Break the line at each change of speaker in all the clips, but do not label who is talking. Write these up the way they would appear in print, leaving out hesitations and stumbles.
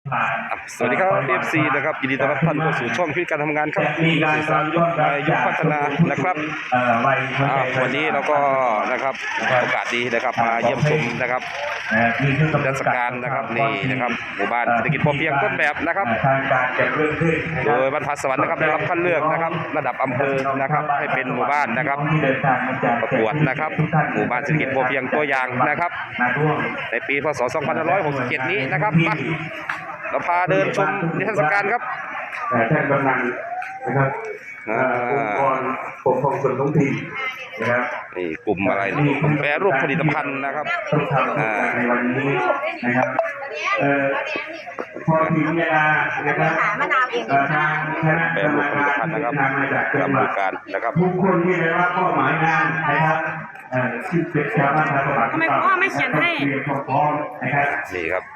สวัสดีครับ FC นะครับยินดีต้อนรับท่านเข้าสู่ช่องชีวิตการทำงานครับที่สื่อสารยุคพัฒนานะครับวันนี้เราก็นะครับโอกาสดีนะครับมาเยี่ยมชมนะครับเทศกาลนะครับนี่นะครับหมู่บ้านเศรษฐกิจพอเพียงต้นแบบนะครับโดยบรรพตสวรรค์นะครับได้รับคัดเลือกนะครับระดับอำเภอนะครับให้เป็นหมู่บ้านนะครับประกวดนะครับหมู่บ้านเศรษฐกิจพอเพียงตัวอย่างนะครับในปีพศ 2567 นี้นะครับเราพาเดินชมนิทรรศการครับ
ท่านกำนันนะครับองค์กรปกครองส่วนท้องถิ่นนะครับ
นี่กลุ่มอะไรนี่กลุ่มแปรรูปผลิตภัณฑ์นะครับ
ในวันนี้นะครับพอถึงเวลานะครับทางคณะ
แปรรูปผลิตภัณฑ์นะครับกรรมการนะครับ
ทุกคนที่ได้รับเป้าหมายงานนะครับที่เป็นชาวบ้านชาวบ้าน
ทำไมพ่อไม่เขียนให้
พร้อมนะครับ
นี่ครับ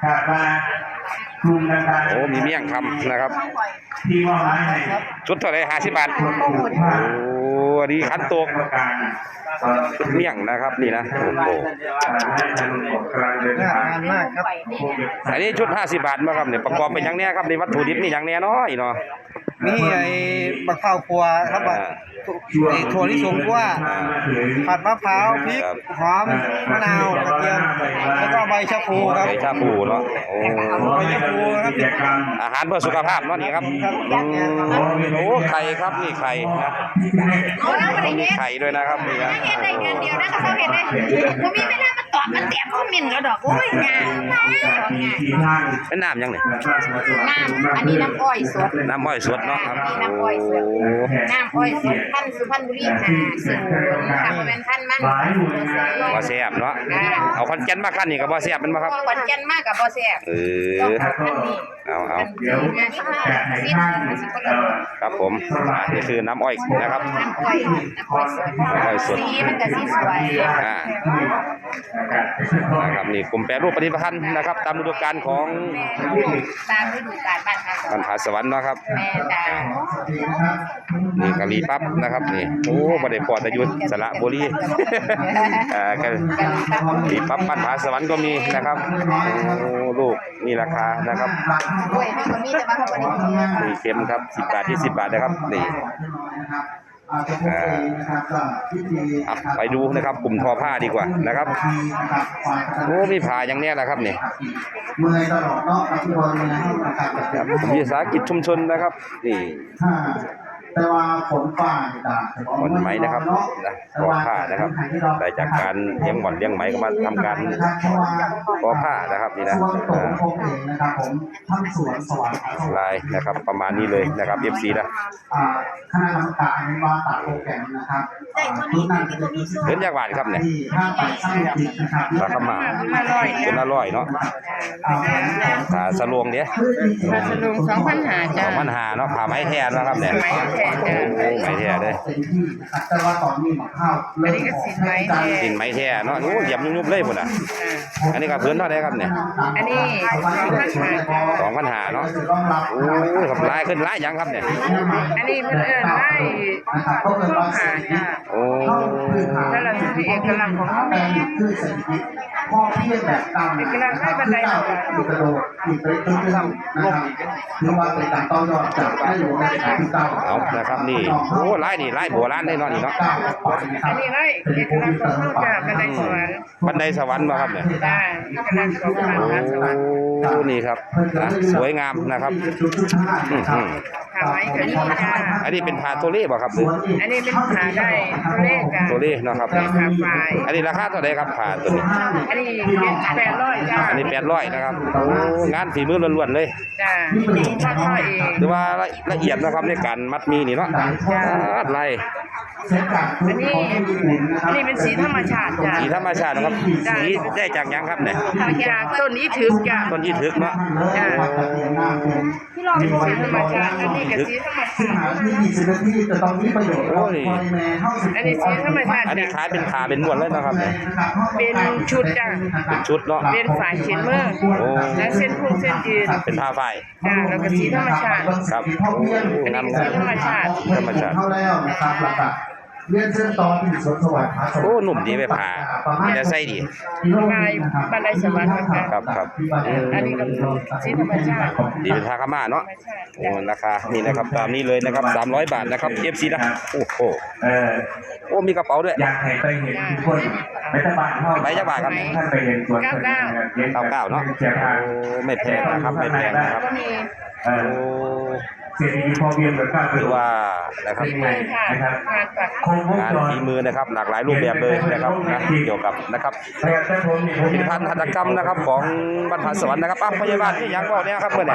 โ
อ้มีเมี่ยงคำนะครับชุดเท่าไหร่50 บาทโอ้ดีขันโตกชุดเมี่ยงนะครับนี่นะโอ้โหอันนี้ชุด50 บาทมาครับเนี่ยประกอบเป็นอย่างเนี้ยครับในวัตถุดิบนี่อย่างเนี้ยน้อยเนาะ
นี่ไอ้บักข้าวครัวครับไอ้ถั่วลิสงคั่วผัดมะพร้าวพริกหอมมะนาวกระเทียมแล้วก็ใบชะพูครับ
ใบชะพูเนาะโอ้
ใบชะพูครับ
อาหารเพื่อสุขภาพเนาะนี่ครับโอ้ไข่ครับนี่ไข่นะไข่ด้วยนะครับนี่นะ
เห็นได้กันเดียวนะเขาเห็นได้ผมมีไม่ได้มาตอบมันเตียบเขาหมิ่นแล้วดอกโอ้ยงาน
เป็นน้ำยังไง
น้ำอันนี้น้ำอ้อยสด
น้ำอ้อยสดเนาะครับ
น้ำอ้อยสดน้ำอ้อยสดท่านสุพรรณบุรี50ค่ะเป็นท่านมัน
บ่แซ่บเนาะเอาคอนแก่นมาคั่นนี่ก็บ่แซ่บมันบ่ครับ
คอนแก่นมากกับบ่แซ่บ
เอาครับผมนี่คือน้ำอ้อยนะครับ
น้ำอ้อยสดสีมันก็สีสวย
นะครับนี่กลุ่มแปรรูปผลิตภัณฑ์นะครับตามฤดูกาลของ
ตามฤดูกาล
บรรพตสวรรค์นะครับนี่กะหรี่ปั๊บนะครับนี่โอ้บ่ได้พอแต่อยู่สระบุรีกะหรี่ปั๊บบรรพตสวรรค์ก็มีนะครับโอ้ลูกนี่ราคานะครับนี่เค็มครับ10 บาท20 บาทนะครับนี่ไปดูนะครับกลุ่มทอผ้าดีกว่านะครับโอ้มีผ้าอย่างเนี้ยแหละครับเนี่ยกลุ่มวิสาหกิจชุมชนนะครับนี่
แต่ว่าผลฝ้า
หม่อนไหมนะครับนะทอผ้านะครับได้จากการเลี้ยงหม่อนเลี้ยงไหมก็มาทำการทอผ้านะครับนี่นะลายนะครับประมาณนี้เลยนะครับ FC นะ
คณะกรรมการว่าตัดโปรแกรมนะครับ
เดินจากบ้านครับเนี่ยราคามาเป็น100เนาะสลวงเนี้ย
สลวง2,500จ้ะ
2,500เนาะผ้าไหมแท้นะครับเนี่ยไหมแท้เลย
แต่ว่าตอนนี้ข้าว
อันนี้ก็สินไหมแท้
เนาะโอ้เหยียบยุบๆเลยพุ่นน่ะอันนี้ก็เพิ่นเท่าไหร่ครับเนี่ย
อันนี้
2,500เนาะโอ้ครับลายขึ้นลายยังครับเนี่ย
อันนี้เพิ่นลายข้อขาจ้ะ
โอ้
แล้วเราคือเอกลักษณ์ของเขา
คือเศรษฐกิจพ่อเพียงแบบตาม
เอกลักษณ์ให้บันได
กระโดดอีกไปตึ้งนะครับถือว่าเป็นการต่อยอดจากได้หลวงในการที่เก้า
เอานะครับนี่โอ้ลายนี่ลายโบราณได้เนาะนี่เนาะ
อันนี้ลายเอกลักษณ์ของเขาจ้ะบันไดสวรรค์
มาครับเนี่ย
จ้ะเอกลักษณ์ของบันไดสวรรค์
โอ้นี่ครับสวยงามนะครับ
ผ้าไหมก็นี่จ้ะ
อันนี้เป็นผ้าโทเล่บ่ครับ
อันนี้เป็นผ้าได้โทเล่จ้ะ
โทเล่เนาะครับ
ผ้าฝ้าย
อันนี้ราคาเท่าไหร่ครับผ้าตัวนี้
อันนี้800จ้ะ
อันนี้800นะครับโอ้งานฝีมือล้วนๆเลย
จ้ะทอเอง
หรือว่าละเอียดนะครับในการมัดมีนี่เนาะลาย
อันนี้เป็นสีธรรมชาติจ้ะ
สีธรรมชาตินะครับสีได้จากยังครับเนี่ย
จากต้นอีถึกจ้ะ
ต้นอีถึกเนาะ
จ้ะที่เราเป็นสีธรรมชาติอันนี้ก็สีธรรมชาติ
โอ้ย
อันนี้สีธรรมชาติ
อันนี้ขายเป็นขาเป็นม้วนเลยนะครับเนี่ย
เป็นชุดจ้ะ
เป็นชุดเนาะ
เป็นฝายเขียนมือและเส้นพุ่งเส้นยืน
เป็นผ้าฝ้าย
จ้ะแล้วก็สีธรรมชาติ
ครับ
สีธรรมชาติ
เรียนเส้นต่อที่สวนสวัสดิ์ผาสวรรค์
โอ้หนุ่มดีไปผ่ามีแต่ไส้ดี
บันไดสวรรค์ค่ะ
ครับ
อันนี้ก็สีธรรมชาติ
ดีเป็นทาคาม่าเนาะโอ้ราคานี่นะครับตามนี้เลยนะครับ300 บาทนะครับ FC นะโอ้โห
เออ
โอ้มีกระเป๋าด้วย
อยากให้ไปเห็นทุกคนไปตะบานเท่า
ไปจักบาทครับ
ท่านไปเห็นสวน
99เนาะ
เสียทาง
โอ้ไม่แพงนะครับไม่แพงนะครับ
ก็มี
เอ
โอ้
อเศรษฐกิจพอเพียงเหมือนกัน
ถือว่านะครับ
ฝีมือค่ะ
นะครับ
งานปัก
คงวง
งาน
จร
ฝีมือนะครับหลากหลายรูปแบบเลยนะครับนะเกี่ยวกับนะครับ
แต่ผมนี่ผม
ผลิตภัณฑ์หัตถกรรมนะครับของบรรพสวรรค์นะครับพยาบาลนี่ยังบอกเนี่ยครับเมื่อเนี่ย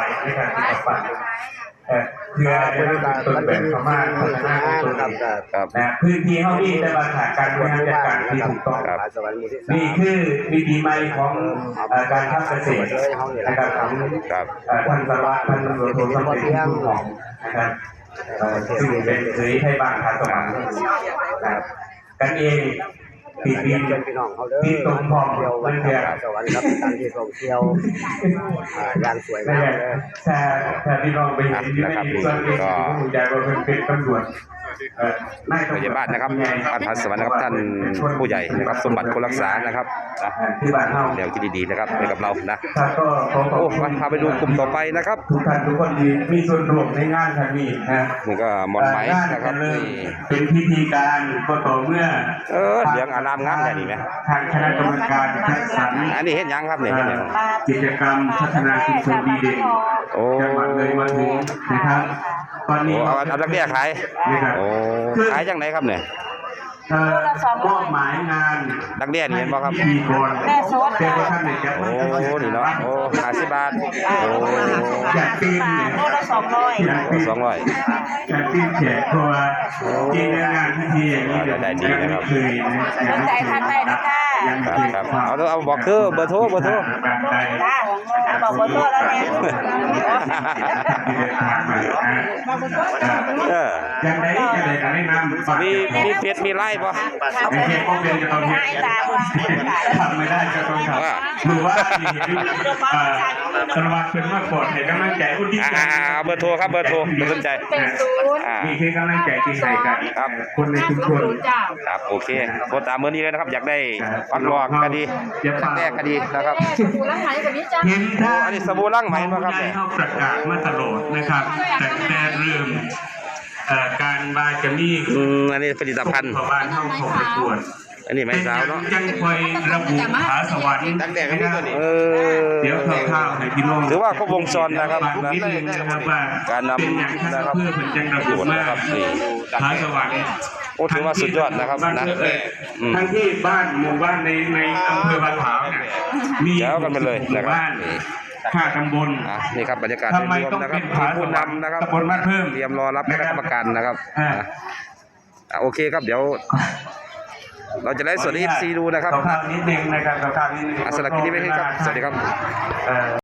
เพื่อบริการมันเป็นประมาณนะครับ
ครับ
นะพื้นที่เฮานี่ได้มาขาดการบริหารจัดการที่ถูกต้อง
ครับ
นี่คือวิธีใหม่ของการทำเกษตรนะครับของ
ครับ
ท่านสารวัตรท่านตำรวจโทสมเด็จผู้หลองนะครับซึ่งเป็นเคยให้บ้านทางสวรรค์นะครับกันเองติดดิน
พี่น้องเขาเด้อ
ที่ตรงพร้อม
เที่ยว
เพื่
วั
อน
น
เพื่อน
สวรรค์ครับการที่ท่องเที่ยวอย่างสวย
นั่
งาน ม
แหละ
เลย
ถ้าพี่น้องไปเห็นอยู่ในส่วนนี้ผมอยากว่าเป็นตำรวจ
พยาบาลนะครับบรรพสวรรค์นะครับท่านผู้ใหญ่นะครับสมบัติคนรักษานะครับนะ
ที่บ้านเฮา
เดี๋ยวคิดดีๆนะครับไปกับเรานะ
ครับก็ขอขอบ
โอ้
คุณ
พาไปดูกลุ่มต่อไปนะครับ
ทุกท่านทุกคนที่มีส่วนร่วมในงานครั้งนี้นะ
นี่ก็หมอนไหม
งาน
นะครับ
จเริ่ม
นี่
เป็นพิธีการก็ต่อเมื่อ
เหลืองอารามงามแค่นี้ไหม
ทางคณะกรรมการคัดสรร
อันนี้เห็นยังครับเนี่ยเห็นยัง
กิจกรรมพัฒนาชุมชนดีเด่น
โอ้
จังหวัดเลยมาถึงนะครับ ตอน
โอ้
นี้
เอาดักเบี้ยขาย
นะครับ
โอ้ขายจังไหนครับเนี่ย
มอบหมายงาน
ดักเบี้ยนี่เห็นบ่ครับ
พิธีกรเป็นประธานในแก้ว
โอ้นี่เนาะโอ้50 บาทโอ้
อยากตีนเนี่ย
โลละ200
อยากตีน
200
อยากตีนแขกเพราะว่าจริงๆงานพิธีอย่างนี้เดี๋ยว
ได้ดีนะครับ
เคยนะยังไม่เคย
ทันใจนะค่ะ
ยัง
ค
ไม่
รับ
เคย
ครับเอาบอกคือเบอร์โทร
แบบใด
บอกขอโทษแล้วเนี่ย
ที่เดินทางมา
เออ
อย่างไรอย่างไรก็แนะนำ
มีเฟซมีไลน์ป่ะ
ไม่ใช่ก็เป็นจะต้องเห็นทำไม่ได้ก็ต้องทำหรือว่าที่เห็นสารวัตรเป็นมากกว่าให้กำลังใจอุทิศ
เบอร์โทรครับเบอร์โทรไม่สนใจ
มีคือกำลังใจที่ให้กัน
ครับ
คนในชุมชน
ครับโอเคโทรตามเบอร์นี้เลยนะครับ อยากได้ฟันหลอกคดีแรกคดีนะครับ
กูรักไหนแบบนี้จ้า
เห็นท่า
อันนี้สบู่ล้างไหมบ่ครับ
ผู้ใหญ่เขาประกาศมาตลอดนะครับแต่เริ่มการบาจะมี
อันนี้ผลิตภัณฑ์
ชาวบ้านเข้าของไปตรวจ
อันนี้ไม้สาวเนาะ
ยังคอยระบุผาสวรรค์
เออ
เดี๋ยวข้าวๆให้พี่น้อง
ถือว่าครบวงจรนะครับ
ฝากนิดนึงนะครับว่า
การนำ
เป็นอย่างท่าน
นะครับ
เพื่อเป็นจังระบุมา
นะครับนี่
ผาสวรรค์
โอ้ถือว่าสุดยอดนะครับนะอืม
ทั้งที่บ้านหมู่บ้านในอำเภอบ้านขาวเนี่ยมี
แจ๋วกันไปเลยนะครับ
หมู่บ้าน
นี่
5 ตำบล
นี่ครับบรรยากาศ
ทำไม
รวม
ต้อง
นะครับ
เป็น
มี
ผา
ผู้นำนะครับ
ตำบลบ้านเพิ่ม
เตรียมรอรับคณะกรรมการนะครับ
อ่า
โอเคครับเดี๋ยว เราจะไลฟ์สดให้ FC ดูนะครับ
ขอภาพนิดนึงนะครับขอภาพนิดนึง
สำหรับคลิปนี้ไม่ให้ครับ สวัสดีครับ